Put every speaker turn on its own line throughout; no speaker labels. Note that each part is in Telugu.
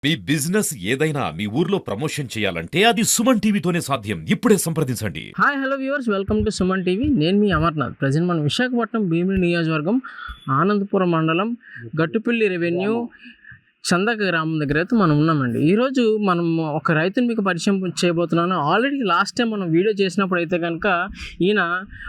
మీ బిజినెస్ ఏదైనా మీ ఊర్లో ప్రమోషన్ చేయాలంటే అది సుమన్ టీవీతోనే సాధ్యం. ఇప్పుడే సంప్రదించండి.
Hi hello viewers, welcome to Suman TV. నేను మీ అమర్నాథ్. ప్రజెంట్ మనం విశాఖపట్నం భీమిలి నియోజకవర్గం ఆనందపురం మండలం గట్టుపల్లి రెవెన్యూ చందక గ్రామం దగ్గర అయితే మనం ఉన్నామండి. ఈరోజు మనం ఒక రైతుని మీకు పరిచయం చేయబోతున్నాను. ఆల్రెడీ లాస్ట్ టైం మనం వీడియో చేసినప్పుడు అయితే కనుక ఈయన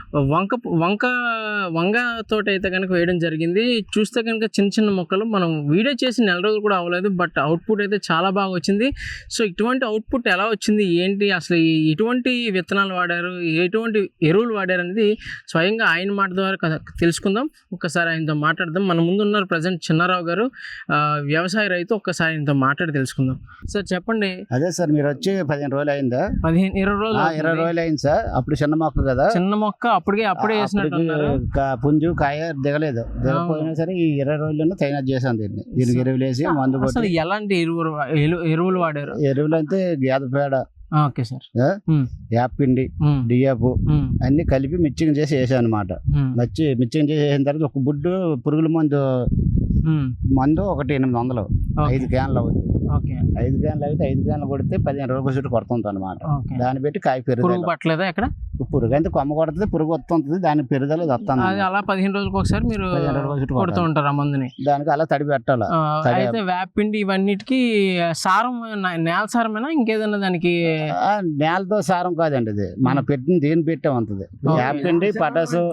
వంగ తోట అయితే కనుక వేయడం జరిగింది. చూస్తే కనుక చిన్న చిన్న మొక్కలు మనం వీడియో చేసి నెల రోజులు కూడా అవ్వలేదు, బట్ అవుట్పుట్ అయితే చాలా బాగా వచ్చింది. సో ఇటువంటి అవుట్పుట్ ఎలా వచ్చింది, ఏంటి, అసలు ఎటువంటి విత్తనాలు వాడారు, ఎటువంటి ఎరువులు వాడారు అనేది స్వయంగా ఆయన మాట ద్వారా తెలుసుకుందాం. ఒక్కసారి ఆయనతో మాట్లాడదాం. మన ముందు ఉన్నారు ప్రజెంట్ చిన్నారావు గారు, వ్యవసాయ రైతు. ఒక్కసారి ఆయనతో మాట్లాడి తెలుసుకుందాం. సార్ చెప్పండి.
అదే సార్, మీరు వచ్చి 15 రోజులు అయిందా?
20 రోజులు.
20 రోజులు అయింది సార్. అప్పుడు చిన్న మొక్క కదా,
చిన్న మొక్క అప్పుడే వేసినట్టున్నారు.
పుంజు కాయ దిగలేదు. దిగపోయినా సరే ఈ 20 రోజుల్లోనే తైనాట్ చేశాను దీనికి ఎరువులు వేసి మందు
అసలు ఎలాంటి ఎరువులు వాడారు?
ఎరువులు అంటే గేదె పేడ,
ఓకే సార్,
యాపిండి, డియాపు అన్ని కలిపి మిక్సింగ్ చేసి వేసాను అనమాట. మిక్సింగ్ చేసి వేసిన తర్వాత ఒక బుడ్డు పురుగుల మందు ఒకటి 800, 5 క్యాన్లు అవుతుంది. 5 క్యాన్లు అయితే 5 క్యాన్లు కొడితే 15 రోజుల చుట్టూ కొడుతుంది అనమాట. దాన్ని బట్టి కాయ పెరుగుదల
పట్టలేదా? ఎక్కడ
పురుగు అంటే కొమ్మ కొడుతుంది, పురుగు వస్తుంది, దాని పెరుగుదల వస్తుంది.
అలా 15 రోజులకు ఒకసారి మీరు కొడుతూ ఉంటారు ఆ మందుని.
దానికి అలా తడి పెట్టాలి.
అయితే వేపిండి ఇవన్నిటికి సారం నేల సారమేనా ఇంకేదన్నా? దానికి
నేలతో సారం కాదండి, ఇది మన పెట్టిన దీన్ని పెట్టే ఉంటుంది. యాపిండి, పటాసు,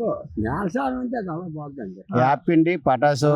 యాపిండి, పటాసు,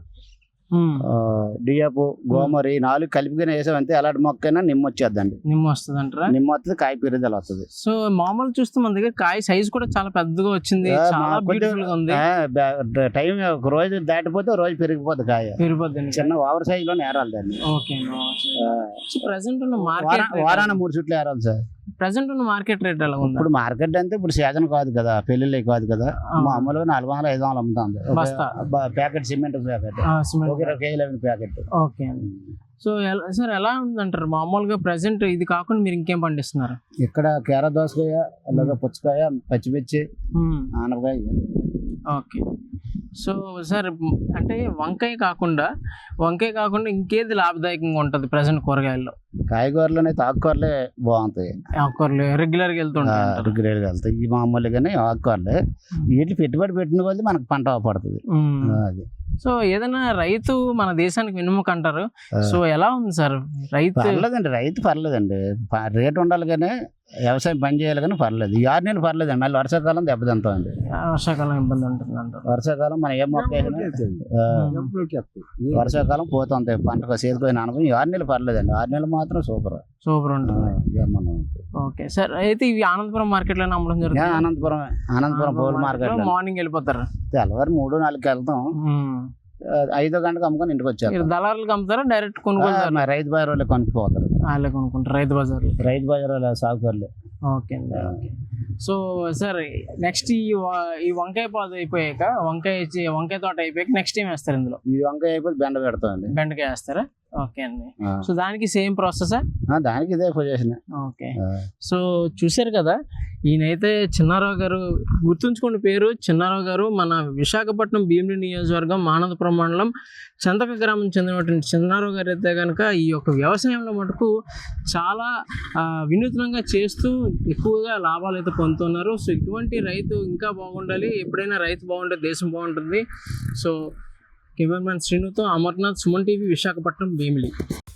డియాపు, గోమరి 4 కలిపిగానే వేసామంటే ఎలాంటి మొక్కైనా నిమ్మ వచ్చేద్దండి.
నిమ్మ వస్తుంది అంటారా?
నిమ్మ వస్తుంది, కాయ పెరుగుదల వస్తుంది.
సో మామూలు చూస్తే మన దగ్గర కాయ సైజ్ కూడా చాలా పెద్దగా వచ్చింది, చాలా బ్యూటిఫుల్ గా ఉంది.
టైం ఒక రోజు దాటిపోతే రోజు పెరిగిపోద్ది కాయ, పెరిగిపోద్ది. చిన్న ఓవర్ సైజ్ లో నేరాలి దాన్ని.
ప్రెసెంట్ ఉన్న
వారాన 3 చుట్లు ఏరాలి సార్.
ప్రెసెంట్ ఉన్న మార్కెట్ రేట్ ఎలా ఉంది?
ఇప్పుడు మార్కెట్ అంటే ఇప్పుడు సీజన్ కాదు కదా, పెళ్లిళ్ళే కాదు కదా, మామూలుగా 400, 500 అమ్ముతుంది ప్యాకెట్. సిమెంట్ ప్యాకెట్ 20 కేజీల ప్యాకెట్.
ఓకే. సో సార్ ఎలా ఉందంటారు మామూలుగా ప్రెసెంట్? ఇది కాకుండా మీరు ఇంకేం పండిస్తున్నారు
ఇక్కడ? కేర దోసకాయ, అలాగే పుచ్చకాయ, పచ్చిమిర్చి, ఆనపకాయ.
ఓకే. సో సార్ అంటే వంకాయ కాకుండా ఇంకేది లాభదాయకంగా ఉంటుంది ప్రెసెంట్ కూరగాయల్లో?
కాయగూరలు అయితే ఆకుకూరలే బాగుంటాయి.
ఆకుకూరలు రెగ్యులర్గా
వెళ్తాయి. ఈ మామూలుగానే ఆకుకూరలే వీటిని పెట్టుబడి పెట్టిన కొద్దీ మనకు పంట పడుతుంది. అది
సో ఏదైనా రైతు మన దేశానికి వెన్నెముక అంటారు. సో ఎలా ఉంది సార్ రైతు?
రైతు పర్లేదండి, రేటు ఉండాలి కానీ వ్యవసాయం పని చేయాలి కానీ పర్లేదు. ఈ 6 నెలలు పర్లేదండి, మళ్ళీ వర్షాకాలం దెబ్బతింటామండి.
వర్షాకాలం ఇబ్బంది ఉంటుంది అంటారు.
వర్షాకాలం మనం ఏం మొక్క వర్షాకాలం పోతుంది పంటకు చేతిపోయిన అనుకుని. 6 నెలలు పర్లేదండి, 6 నెలలు మాత్రం సూపర్ ఉంటుంది.
Okay sir. అయితే ఇవి ఆనందపురం మార్కెట్ లో అమ్మడం జరుగుతుంది.
ఆనందపురం పూల మార్కెట్
మార్నింగ్ వెళ్ళిపోతారు,
తెల్లవారు 3-4కి వెళ్తాం. 5 గంటలకు అమ్ముకొని ఇంటికి వచ్చారు.
దళారులకు అమ్ముతారా డైరెక్ట్ కొనుగోలు?
రైతు బజార్ వాళ్ళే కొనుక్కుపోతారు.
వాళ్ళే కొనుక్కుంటారు రైతు బజార్ వాళ్ళ
సాగుకర్లే.
ఓకే అండి. ఓకే. సో సార్ నెక్స్ట్ ఈ వంకాయ పాదు అయిపోయాక, వంకాయ తోట అయిపోయాక నెక్స్ట్ ఏం వేస్తారు ఇందులో? ఈ
వంకాయ అయిపోయి బెండ పెడతామండి.
బెండకాయ వేస్తారా? ఓకే అండి. సో దానికి సేమ్ ప్రాసెస్?
దానికి ఇదే పొజిషన్.
ఓకే. సో చూసారు కదా, ఈయనైతే చిన్నారావు గారు. గుర్తుంచుకోండి పేరు చిన్నారావు గారు. మన విశాఖపట్నం భీమిలి నియోజకవర్గం ఆనందపురం మండలం చందక గ్రామం చెందినటువంటి చిన్నారావు గారు అయితే కనుక ఈ యొక్క వ్యవసాయంలో మటుకు చాలా వినూత్నంగా చేస్తూ ఎక్కువగా లాభాలు అయితే పొందుతున్నారు. సో ఇటువంటి రైతు ఇంకా బాగుండాలి. ఎప్పుడైనా రైతు బాగుంటే దేశం బాగుంటుంది. సో కెమెరామెన్ శ్రీనుతో అమర్నాథ్, సుమన్ టీవీ, విశాఖపట్నం భీమిలి.